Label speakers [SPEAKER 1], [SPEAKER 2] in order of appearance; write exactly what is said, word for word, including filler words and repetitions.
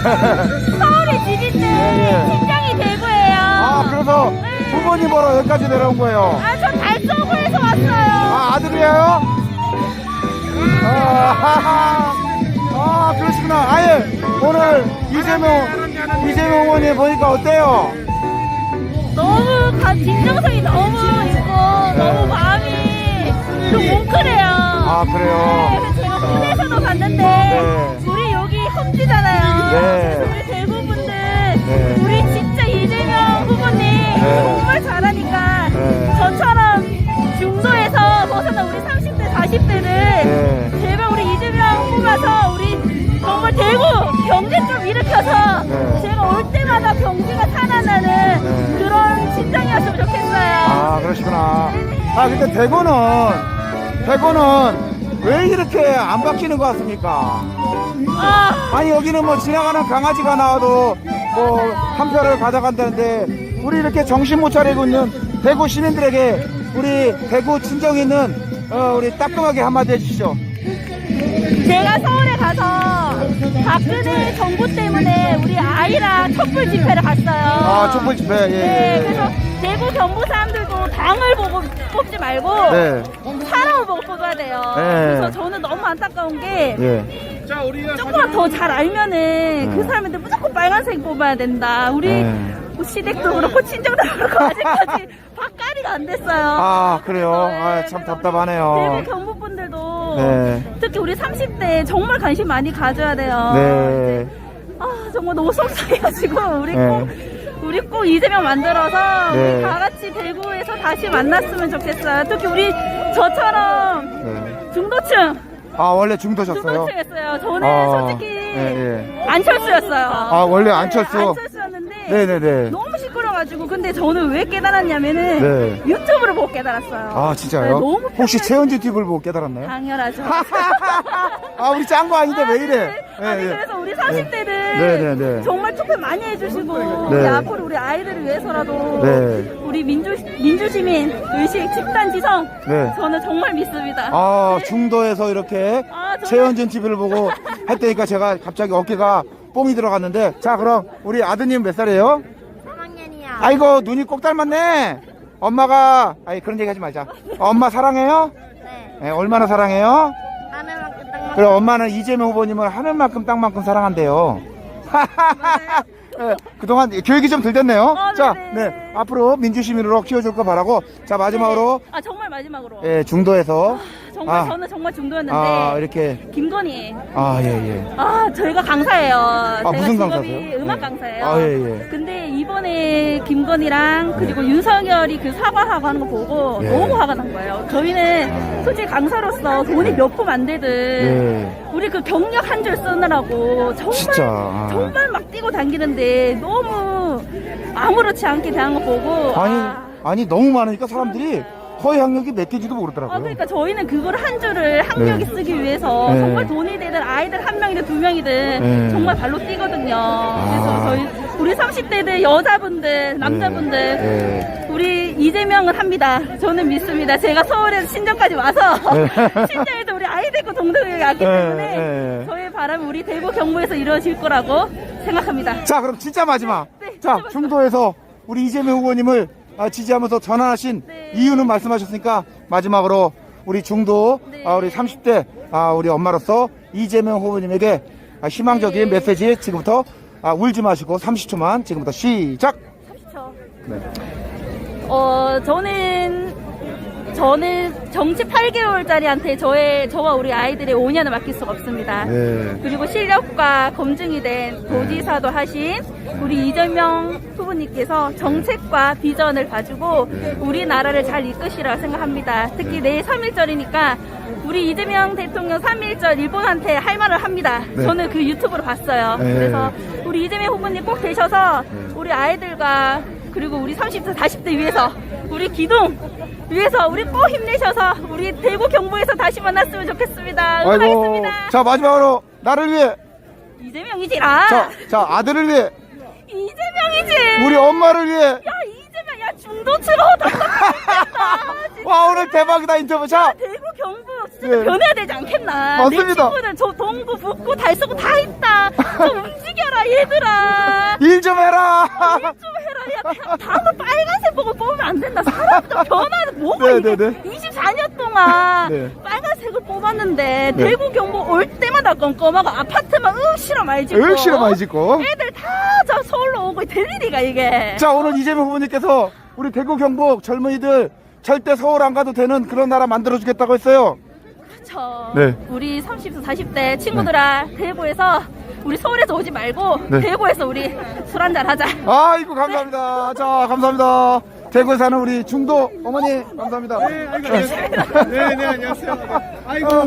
[SPEAKER 1] 서울에 집인데
[SPEAKER 2] 예, 예.
[SPEAKER 1] 친정이 대구예요.
[SPEAKER 2] 아, 그래서 부모님 보러 여기까지 내려온 거예요.
[SPEAKER 1] 아, 저 달서구에서 왔어요.
[SPEAKER 2] 아, 아들이에요? 아, 아, 그러시구나. 아예 오늘 이재명, 이재명 의원님 보니까 어때요?
[SPEAKER 1] 너무 가, 진정성이 너무 있고 너무 마음이 좀 뭉클해요.
[SPEAKER 2] 아, 그래요?
[SPEAKER 1] 네, 그래서 제가 군에서도 봤는데
[SPEAKER 2] 네.
[SPEAKER 1] 우리 여기 험지잖아요.
[SPEAKER 2] 네.
[SPEAKER 1] 그래서 우리 대구분들
[SPEAKER 2] 네.
[SPEAKER 1] 우리 진짜 이재명 후보님
[SPEAKER 2] 네.
[SPEAKER 1] 정말 잘하니까
[SPEAKER 2] 네.
[SPEAKER 1] 저처럼 중도에서 벗어난 우리 삼십 대 사십 대를
[SPEAKER 2] 네.
[SPEAKER 1] 제발 우리 이재명 뽑아서 우리 정말 대구 경제 좀 일으켜서
[SPEAKER 2] 네.
[SPEAKER 1] 제가 올 때마다 경제가 살아나는
[SPEAKER 2] 네.
[SPEAKER 1] 그런 심장이었으면 좋겠어요.
[SPEAKER 2] 아, 그러시구나. 아, 근데 대구는, 대구는 왜 이렇게 안 바뀌는 것 같습니까?
[SPEAKER 1] 아,
[SPEAKER 2] 아니, 여기는 뭐 지나가는 강아지가 나와도 뭐 한 표를 가져간다는데, 우리 이렇게 정신 못 차리고 있는 대구 시민들에게 우리 대구 친정 있는 어, 우리 따끔하게 한마디 해주시죠.
[SPEAKER 1] 제가 서울에 가서 박근혜 정부 때문에 우리 아이랑 촛불 집회를 갔어요.
[SPEAKER 2] 아, 촛불 집회, 예,
[SPEAKER 1] 네,
[SPEAKER 2] 예.
[SPEAKER 1] 그래서 대구 경북 사람들도 당을 보고 뽑지 말고
[SPEAKER 2] 네.
[SPEAKER 1] 사람을 보고 뽑아야 돼요.
[SPEAKER 2] 네.
[SPEAKER 1] 그래서 저는 너무 안타까운 게
[SPEAKER 2] 예.
[SPEAKER 1] 조금만 더 잘 알면은 그 사람한테 무조건 빨간색 뽑아야 된다. 우리
[SPEAKER 2] 네.
[SPEAKER 1] 뭐 시댁도 그렇고 친정도 그렇고 아직까지 바까리가 안 됐어요.
[SPEAKER 2] 아, 그래요?
[SPEAKER 1] 네,
[SPEAKER 2] 아, 참
[SPEAKER 1] 그래서
[SPEAKER 2] 답답하네요.
[SPEAKER 1] 대구 경북 분들도
[SPEAKER 2] 네.
[SPEAKER 1] 특히 우리 삼십 대 정말 관심 많이 가져야 돼요.
[SPEAKER 2] 네.
[SPEAKER 1] 아, 정말 너무 속상해가지고 우리
[SPEAKER 2] 네.
[SPEAKER 1] 꼭 우리 꼭 이재명 만들어서
[SPEAKER 2] 네.
[SPEAKER 1] 우리 다 같이 대구에서 다시 만났으면 좋겠어요. 특히 우리 저처럼
[SPEAKER 2] 네.
[SPEAKER 1] 중도층
[SPEAKER 2] 아, 원래 중도셨어요?
[SPEAKER 1] 중도층이었어요. 저는
[SPEAKER 2] 아,
[SPEAKER 1] 솔직히
[SPEAKER 2] 예, 예.
[SPEAKER 1] 안철수였어요.
[SPEAKER 2] 아, 원래 안철수?
[SPEAKER 1] 네, 안철수였는데
[SPEAKER 2] 네네네.
[SPEAKER 1] 너무 시끄러가지고 근데 저는 왜 깨달았냐면은
[SPEAKER 2] 네.
[SPEAKER 1] 유튜브를 보고 깨달았어요.
[SPEAKER 2] 아,
[SPEAKER 1] 네,
[SPEAKER 2] 진짜요?
[SPEAKER 1] 너무
[SPEAKER 2] 혹시
[SPEAKER 1] 편해-
[SPEAKER 2] 최은지 티비를 보고 깨달았나요?
[SPEAKER 1] 당연하죠.
[SPEAKER 2] 아, 우리 짠 거 아닌데 왜 이래?
[SPEAKER 1] 아니
[SPEAKER 2] 예, 예.
[SPEAKER 1] 그래서 우리 사십 대들
[SPEAKER 2] 네, 네, 네.
[SPEAKER 1] 정말 투표 많이 해주시고
[SPEAKER 2] 네.
[SPEAKER 1] 우리 앞으로 우리 아이들을 위해서라도
[SPEAKER 2] 네.
[SPEAKER 1] 우리 민주 민주시민 의식 집단 지성
[SPEAKER 2] 네.
[SPEAKER 1] 저는 정말 믿습니다.
[SPEAKER 2] 아, 중도에서 이렇게
[SPEAKER 1] 아, 정말.
[SPEAKER 2] 최현진 티비를 보고 했다니까 제가 갑자기 어깨가 뽕이 들어갔는데, 자, 그럼 우리 아드님 몇 살이에요?
[SPEAKER 1] 삼 학년이요.
[SPEAKER 2] 아이고, 눈이 꼭 닮았네. 엄마가, 아니, 그런 얘기 하지 말자. 엄마 사랑해요?
[SPEAKER 1] 네.
[SPEAKER 2] 네, 얼마나 사랑해요?
[SPEAKER 1] 하늘만큼 땅만큼.
[SPEAKER 2] 그래, 엄마는 이재명 후보님을 하늘만큼 땅만큼 사랑한대요. 네, 그동안 교육이 좀 덜 됐네요.
[SPEAKER 1] 어,
[SPEAKER 2] 자,
[SPEAKER 1] 네네.
[SPEAKER 2] 네, 앞으로 민주시민으로 키워줄 거 바라고. 자, 마지막으로,
[SPEAKER 1] 아 정말 마지막으로
[SPEAKER 2] 예, 중도에서,
[SPEAKER 1] 정말
[SPEAKER 2] 아.
[SPEAKER 1] 저는 정말 중도였는데
[SPEAKER 2] 아, 이렇게,
[SPEAKER 1] 김건희
[SPEAKER 2] 아, 예, 예.
[SPEAKER 1] 아 저희가 강사예요. 제가
[SPEAKER 2] 무슨
[SPEAKER 1] 직업이
[SPEAKER 2] 강사세요?
[SPEAKER 1] 음악
[SPEAKER 2] 네.
[SPEAKER 1] 강사예요.
[SPEAKER 2] 아, 예, 예.
[SPEAKER 1] 근데 이번에 김건희랑 그리고 윤석열이 그 사과하고 하는 거 보고
[SPEAKER 2] 예.
[SPEAKER 1] 너무 화가 난 거예요. 저희는 솔직히 강사로서 돈이 몇 푼 안 되든
[SPEAKER 2] 예.
[SPEAKER 1] 우리 그 경력 한 줄 쓰느라고 정말
[SPEAKER 2] 진짜. 아.
[SPEAKER 1] 정말 막 뛰고 다니는데 너무 아무렇지 않게 대한 거 보고
[SPEAKER 2] 아니,
[SPEAKER 1] 아,
[SPEAKER 2] 아니, 너무 많으니까 사람들이 허위 학력이 몇 개인지도 모르더라고요.
[SPEAKER 1] 어, 그러니까 저희는 그걸 한 줄을 학력이
[SPEAKER 2] 네.
[SPEAKER 1] 쓰기 위해서
[SPEAKER 2] 네.
[SPEAKER 1] 정말 돈이 되든 아이들 한 명이든 두 명이든
[SPEAKER 2] 네.
[SPEAKER 1] 정말 발로 뛰거든요.
[SPEAKER 2] 아.
[SPEAKER 1] 그래서 저희 우리 삼십 대들 여자분들 남자분들
[SPEAKER 2] 네.
[SPEAKER 1] 우리 이재명은 합니다. 저는 믿습니다. 제가 서울에서 신정까지 와서
[SPEAKER 2] 네.
[SPEAKER 1] 신정에서 우리 아이 되고 동생이 왔기
[SPEAKER 2] 네.
[SPEAKER 1] 때문에
[SPEAKER 2] 네.
[SPEAKER 1] 저의 바람은 우리 대구 경북에서 이루어질 거라고 생각합니다.
[SPEAKER 2] 자, 그럼 진짜 마지막.
[SPEAKER 1] 네, 진짜
[SPEAKER 2] 자,
[SPEAKER 1] 마지막.
[SPEAKER 2] 중도에서 우리 이재명 후보님을 아, 지지하면서 전환하신
[SPEAKER 1] 네.
[SPEAKER 2] 이유는 말씀하셨으니까 마지막으로 우리 중도,
[SPEAKER 1] 네.
[SPEAKER 2] 아, 우리 삼십 대 아, 우리 엄마로서 이재명 후보님에게 아, 희망적인
[SPEAKER 1] 네.
[SPEAKER 2] 메시지 지금부터 아, 울지 마시고 삼십 초만 지금부터 시작.
[SPEAKER 1] 삼십 초.
[SPEAKER 2] 네.
[SPEAKER 1] 어, 저는, 저는 정치 팔 개월짜리한테 저의, 저와 우리 아이들의 오 년을 맡길 수가 없습니다.
[SPEAKER 2] 네.
[SPEAKER 1] 그리고 실력과 검증이 된 도지사도 하신 우리 이재명 후보님께서 정책과 비전을 가지고 우리나라를 잘 이끄시라 생각합니다. 특히 내일 삼 일절이니까 우리 이재명 대통령 삼 일절 일본한테 할 말을 합니다.
[SPEAKER 2] 네.
[SPEAKER 1] 저는 그 유튜브로 봤어요.
[SPEAKER 2] 네.
[SPEAKER 1] 그래서 우리 이재명 후보님 꼭 되셔서 우리 아이들과 그리고 우리 삼십 대, 사십 대 위해서 우리 기둥 위해서 우리 꼭 힘내셔서 우리 대구 경북에서 다시 만났으면 좋겠습니다.
[SPEAKER 2] 아이고.
[SPEAKER 1] 응원하겠습니다.
[SPEAKER 2] 자, 마지막으로 나를 위해.
[SPEAKER 1] 이재명이지라.
[SPEAKER 2] 자, 자, 아들을 위해.
[SPEAKER 1] 이재명이지.
[SPEAKER 2] 우리 엄마를 위해.
[SPEAKER 1] 야 이재명 야 중도층어 답답하겠다.
[SPEAKER 2] 와, 오늘 대박이다, 인터뷰. 자,
[SPEAKER 1] 대구 경북 진짜
[SPEAKER 2] 네.
[SPEAKER 1] 변해야 되지 않겠나.
[SPEAKER 2] 맞습니다.
[SPEAKER 1] 내 친구들 저 동구 북구 달서구 다 있다. 좀 움직여라 얘. 얘들아
[SPEAKER 2] 일 좀 해라.
[SPEAKER 1] 좀 해라. 야, 다음은 빨간색 보고 뽑으면 안 된다. 사람 좀 변화는 뭐가
[SPEAKER 2] 네,
[SPEAKER 1] 이게
[SPEAKER 2] 네, 네.
[SPEAKER 1] 이십사 년 동안
[SPEAKER 2] 네.
[SPEAKER 1] 빨간색을 뽑았는데
[SPEAKER 2] 네.
[SPEAKER 1] 대구 경북 올 때마다 껌껌하고 아파트만 으 싫어 많이 짓고
[SPEAKER 2] 으 싫어 많이 짓고.
[SPEAKER 1] 애들 다 저 서울로 오고 될 일이가 이게.
[SPEAKER 2] 자, 오늘 이재명 후보님께서 우리 대구 경북 젊은이들 절대 서울 안 가도 되는 그런 나라 만들어 주겠다고 했어요.
[SPEAKER 1] 그렇죠.
[SPEAKER 2] 네.
[SPEAKER 1] 우리 삼십 대 사십 대 친구들아 대구에서 우리 서울에서 오지 말고
[SPEAKER 2] 네.
[SPEAKER 1] 대구에서 우리 술 한잔 하자.
[SPEAKER 2] 아이고 감사합니다. 자, 감사합니다. 대구에 사는 우리 중도 어머니 감사합니다.
[SPEAKER 3] 네, 아이고, 안녕하세요. 네, 네, 안녕하세요. 아이고.